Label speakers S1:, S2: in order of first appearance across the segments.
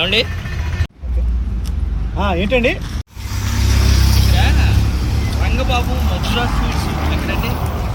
S1: ఏమండి
S2: ఏంటండి?
S1: రంగబాబు మధురా స్వీట్స్ ఎక్కడండి?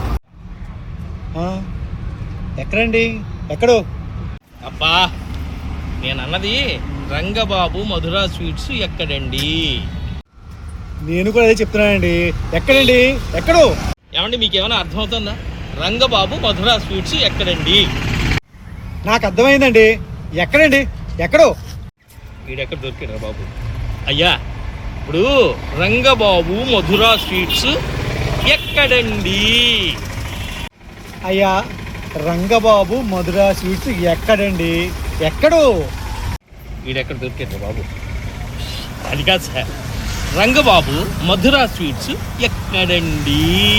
S2: ఎక్కడండి? ఎక్కడో?
S1: అబ్బా నేను అన్నది రంగబాబు మధురా స్వీట్స్ ఎక్కడండి?
S2: నేను కూడా అదే చెప్తున్నానండి. ఎక్కడండి? ఎక్కడో?
S1: ఏమండి మీకు ఏమైనా అర్థమవుతుందా? రంగబాబు మధురా స్వీట్స్ ఎక్కడండి?
S2: నాకు అర్థమైందండి. ఎక్కడండి? ఎక్కడో?
S1: వీడెక్కడ దొరికాడు బాబు? అయ్యా ఇప్పుడు రంగబాబు మధురా స్వీట్స్ ఎక్కడండి?
S2: అయ్యా రంగబాబు మధురా స్వీట్స్ ఎక్కడండి? ఎక్కడో?
S1: వీడెక్కడ దొరికాడు బాబు? అది కాదు సార్, రంగబాబు మధురా స్వీట్స్ ఎక్కడండి?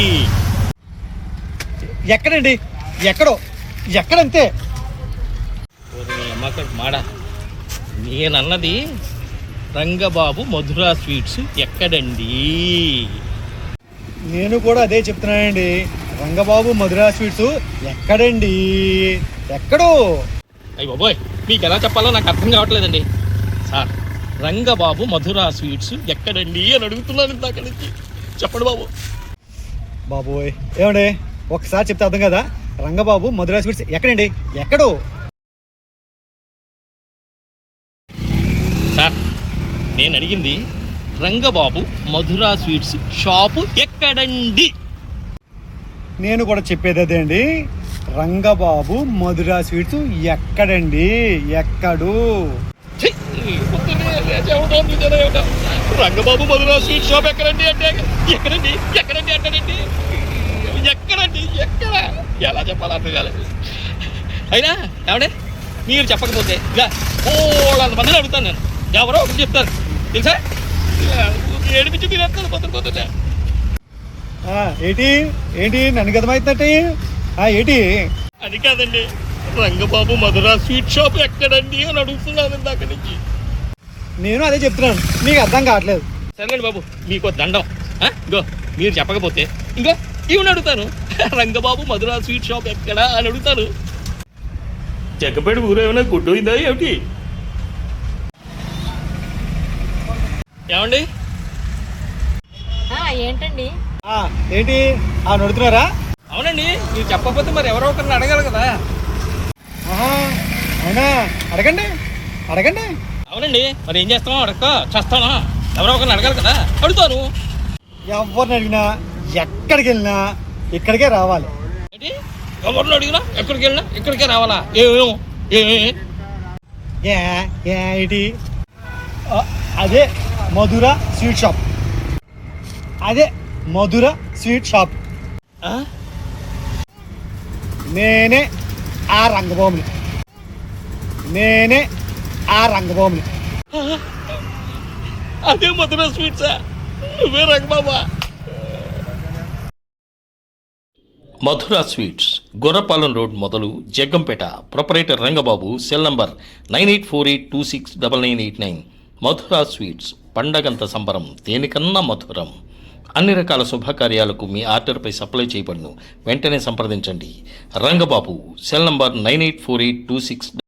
S2: ఎక్కడండి? ఎక్కడో? ఎక్కడంతే?
S1: అమ్మకడు మాడా, నేనన్నది రంగబాబు మధురా స్వీట్స్ ఎక్కడండి?
S2: నేను కూడా అదే చెప్తున్నానండి. రంగబాబు మధురా స్వీట్స్ ఎక్కడండి? ఎక్కడో?
S1: అయ్యి బాబోయ్, మీకు ఎలా చెప్పాలో నాకు అర్థం కావట్లేదండి. సార్, రంగబాబు మధురా స్వీట్స్ ఎక్కడండి అని అడుగుతున్నాను ఇందాక నుంచి. చెప్పండి బాబు.
S2: బాబోయ్ ఏమండి, ఒకసారి చెప్తే అర్థం కదా. రంగబాబు మధురా స్వీట్స్ ఎక్కడండి? ఎక్కడో?
S1: సార్, నేను అడిగింది రంగబాబు మధురా స్వీట్స్ షాపు ఎక్కడండి?
S2: నేను కూడా చెప్పేది అదే అండి. రంగబాబు మధురా స్వీట్స్ ఎక్కడండి? ఎక్కడు?
S1: రంగబాబు మధురా స్వీట్ షాప్ ఎక్కడండి అంటే ఎక్కడండి ఎక్కడండి అంటాడండి. ఎక్కడండి? ఎక్కడ? ఎలా చెప్పాలి అర్థం కాలేదు. అయినా ఏమంటే మీరు చెప్పకపోతే మందిని అడుగుతాను నేను. ఎవరో ఒకటి చెప్తారు తెలుసా? ఏడిపించి మీరు ఎత్తాను పొద్దున.
S2: ఏంటి ఏంటి నన్ను గతమవుతున్నట్టు? ఏంటి?
S1: అది కాదండి, రంగబాబు మధురా స్వీట్ షాప్ ఎక్కడండి అని అడుగుతున్నాను ఇందాక నుంచి.
S2: నేను అదే చెప్తున్నాను, మీకు అర్థం కావట్లేదు.
S1: సరేనండి బాబు, మీకు దండం. ఇంకో మీరు చెప్పకపోతే ఇంకో ఇవన్నీ అడుగుతాను. రంగబాబు మధురా స్వీట్ షాప్ ఎక్కడా అని అడుగుతాను. జగ్గపేట ఊరు ఏమైనా గుడ్డోయిందా ఏమిటి? ఏమండి?
S3: ఏంటండి?
S2: ఏంటి నడుతున్నారా?
S1: అవునండి, మీరు చెప్పకపోతే మరి ఎవరో ఒకరిని అడగాలి కదా.
S2: అవునా? అడగండి అడగండి.
S1: అవునండి, మరి ఏం చేస్తామో అడగ చేస్తానా? ఎవరో ఒకరిని అడగాలి కదా, అడుగుతాను.
S2: ఎవరిని అడిగినా ఎక్కడికి వెళ్ళినా ఇక్కడికే రావాలి.
S1: ఏంటి? ఎవరిని అడిగినా ఎక్కడికి వెళ్ళినా ఇక్కడికే రావాలా?
S2: ఏంటి? అదే మధురా స్వీట్ షాప్. అదే మధురా స్వీట్ షాప్. నేనే ఆ రంగబాబుని. నేనే ఆ రంగబాబుని.
S1: అదే మధురా స్వీట్సా? నువ్వే రంగబాబా? మధురా స్వీట్స్, గొర్రపాలెం రోడ్ మొదలు, Jaggampeta. Proprietor Rangababu. Cell number 9848269989. Madhura sweets, పండగంత సంబరం, దేనికన్నా మధురం. అన్ని రకాల శుభకార్యాలకు మీ ఆర్డర్పై సప్లై చేయబడును. వెంటనే సంప్రదించండి. రంగబాబు. Cell number 984826